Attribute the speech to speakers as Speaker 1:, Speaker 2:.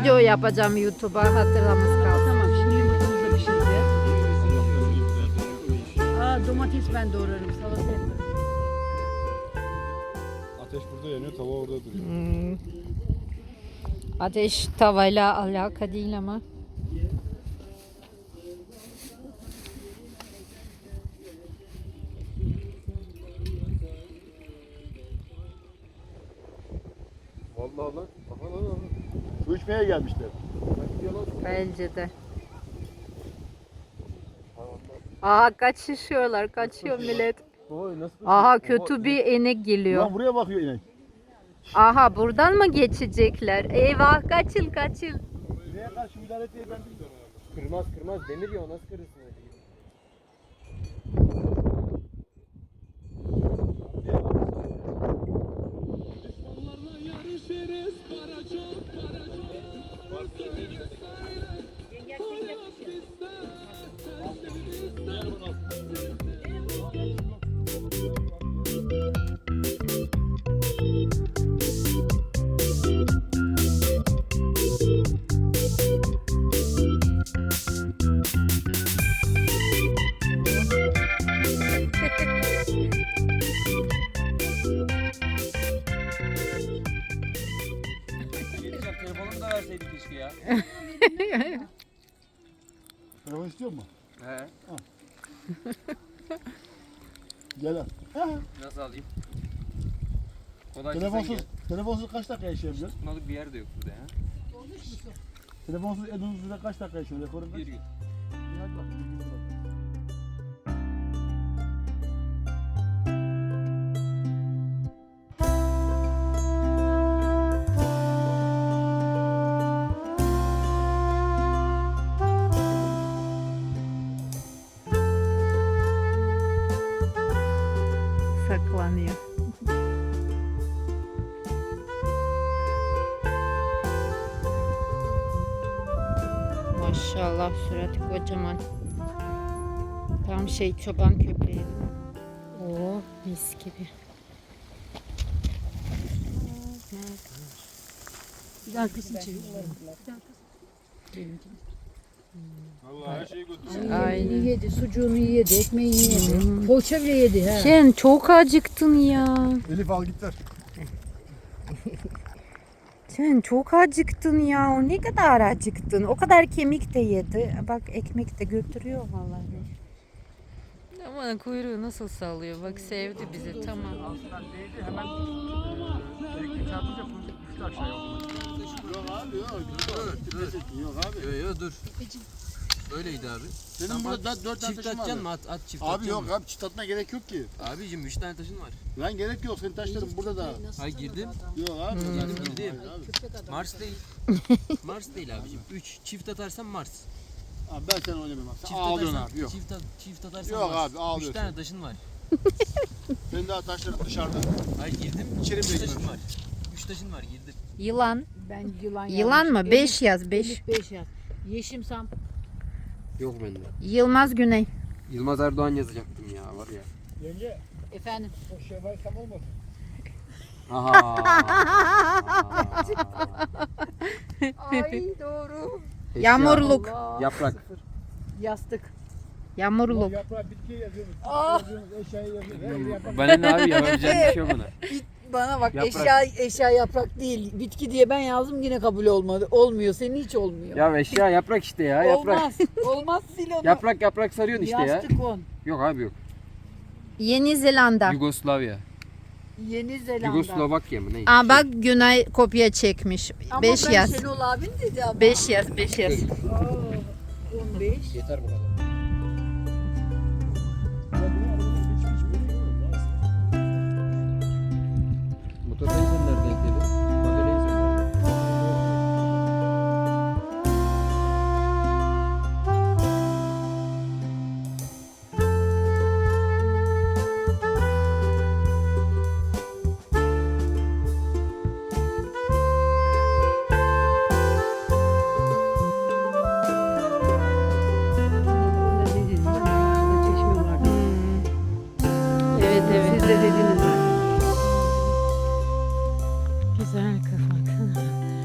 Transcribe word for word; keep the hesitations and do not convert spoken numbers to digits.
Speaker 1: video yapacağım YouTube'a, hatırlamız kalsın.
Speaker 2: Tamam, şimdi yumurtamız da pişirdi. Aa, domates ben doğrarım, salata yaparım.
Speaker 3: Ateş burada yanıyor, tava orada duruyor.
Speaker 1: Hmm. Ateş tavayla alaka değil ama.
Speaker 3: Vallahi lan. Aha lan lan. Su içmeye gelmişler.
Speaker 1: Bence de. Aha kaçışıyorlar, kaçıyor millet.
Speaker 3: Oy nasıl?
Speaker 1: Aha kötü bir inek geliyor.
Speaker 3: Lan buraya bakıyor inek.
Speaker 1: Aha buradan mı geçecekler? Eyvah, kaçıl kaçıl.
Speaker 3: Neye karşı müdahale etmeyi ben bilmiyorum.
Speaker 4: Kırmaz kırmaz demir ya, o nasıl kırırsın öyle? Telefonumu da verseydik keşke ya.
Speaker 3: Telefon istiyor musun?
Speaker 4: He.
Speaker 3: Gel al.
Speaker 4: Nasıl alayım? Kolay
Speaker 3: Telefonsuz, telefonsuz kaç dakika yaşayabiliyor?
Speaker 4: tutmalık bir yer de yok burada ya.
Speaker 3: Telefonsuz en uzun süre kaç dakika yaşıyor? Rekorun kaç?
Speaker 4: Bir gün.
Speaker 3: Hadi bak, bir gün bak.
Speaker 1: Saklanıyor. Maşallah, suratı kocaman. Tam şey, çoban köpeği. Oo, mis gibi.
Speaker 2: Bir daha kısım çevir.
Speaker 3: Vallahi her şeyi götürdüm.
Speaker 1: Aynen.
Speaker 2: Yedi, sucuğunu yedi, ekmeğini yedi. Poğaça bile yedi ha.
Speaker 1: Sen çok acıktın ya.
Speaker 3: Elif al git ver.
Speaker 1: Sen çok acıktın ya. O ne kadar acıktın. O kadar kemik de yedi. Bak ekmek de götürüyor vallahi. Ama kuyruğu nasıl sallıyor. Bak sevdi bizi, tamam.
Speaker 3: Altından değdi hemen elektrik çarpınca düştü aşağıya. Yok abi yok. Yok abi.
Speaker 4: Yo yo dur. Öyleydi abi.
Speaker 3: Senin burada dört, dört tane
Speaker 4: Çift
Speaker 3: taşın var.
Speaker 4: atacaksın mı? At, at çift
Speaker 3: Abi
Speaker 4: atacaksın
Speaker 3: yok
Speaker 4: mı?
Speaker 3: abi çift atmaya gerek yok ki.
Speaker 4: Abicim üç tane taşın var.
Speaker 3: Lan gerek yok, senin taşların burada da.
Speaker 4: Hay girdim.
Speaker 3: Yok abi.
Speaker 4: Girdim
Speaker 3: Hayır
Speaker 4: girdim.
Speaker 3: abi.
Speaker 4: Mars değil. Mars değil abicim. üç çift atarsan Mars.
Speaker 3: Abi ben sen oynamam abi. Sen
Speaker 4: Çift
Speaker 3: ağlıyorsun
Speaker 4: atarsan,
Speaker 3: abi. Yok.
Speaker 4: Çift, at, çift atarsan
Speaker 3: Yok
Speaker 4: Mars.
Speaker 3: abi, ağlıyorsun.
Speaker 4: üç tane taşın var.
Speaker 3: Senin daha taşların dışarıda.
Speaker 4: Hayır girdim.
Speaker 3: İçeri
Speaker 4: üç
Speaker 3: bile
Speaker 4: taşın
Speaker 3: girmemiş.
Speaker 4: var. üç taşın var girdim.
Speaker 1: Yılan.
Speaker 2: Ben yılan
Speaker 1: Yılan mı?
Speaker 2: yazmışım.
Speaker 1: Beş yaz, beş.
Speaker 2: Elif beş yaz. Yeşim Sam.
Speaker 4: Yok bende.
Speaker 1: Yılmaz Güney.
Speaker 4: Yılmaz Erdoğan yazacaktım ya var ya.
Speaker 3: Yenge
Speaker 2: Efendim.
Speaker 3: o Şevval tam olmasın?
Speaker 4: Aha.
Speaker 2: Ay doğru.
Speaker 1: Yağmurluk.
Speaker 2: Allah.
Speaker 4: Yaprak.
Speaker 2: Yastık.
Speaker 1: Yağmurluk.
Speaker 3: Yaprağı bitkiye yazıyoruz.
Speaker 2: Ah.
Speaker 3: Yazıyoruz, eşyayı yazıyoruz. Yaprak.
Speaker 4: Bana ne abi yapabileceğim bir şey yok ona.
Speaker 2: Bana bak,
Speaker 4: Yaprak.
Speaker 2: eşya eşya yaprak değil. Bitki diye ben yazdım, yine kabul olmadı. Olmuyor. Senin hiç olmuyor.
Speaker 4: Ya eşya yaprak işte ya yaprak.
Speaker 2: Olmaz. Olmaz, sil onu.
Speaker 4: Yaprak yaprak sarıyorsun işte ya.
Speaker 2: Yastık on.
Speaker 4: Yok abi yok.
Speaker 1: Yeni Zelanda.
Speaker 4: Yugoslavya.
Speaker 2: Yeni Zelanda.
Speaker 4: Yugoslovakya mı ne?
Speaker 1: Aa bak Güney kopya çekmiş.
Speaker 2: Ama
Speaker 1: beş
Speaker 2: ben
Speaker 1: yaz.
Speaker 2: Şenol abin dedi ama.
Speaker 1: beş yaz, beş yaz.
Speaker 2: Aa, on beş.
Speaker 4: Yeter bu kadar. Motor sen nerede ekledin? Modelayı sen nerede?
Speaker 1: Evet evet.
Speaker 2: Siz de dediniz.
Speaker 1: Güzel kafa.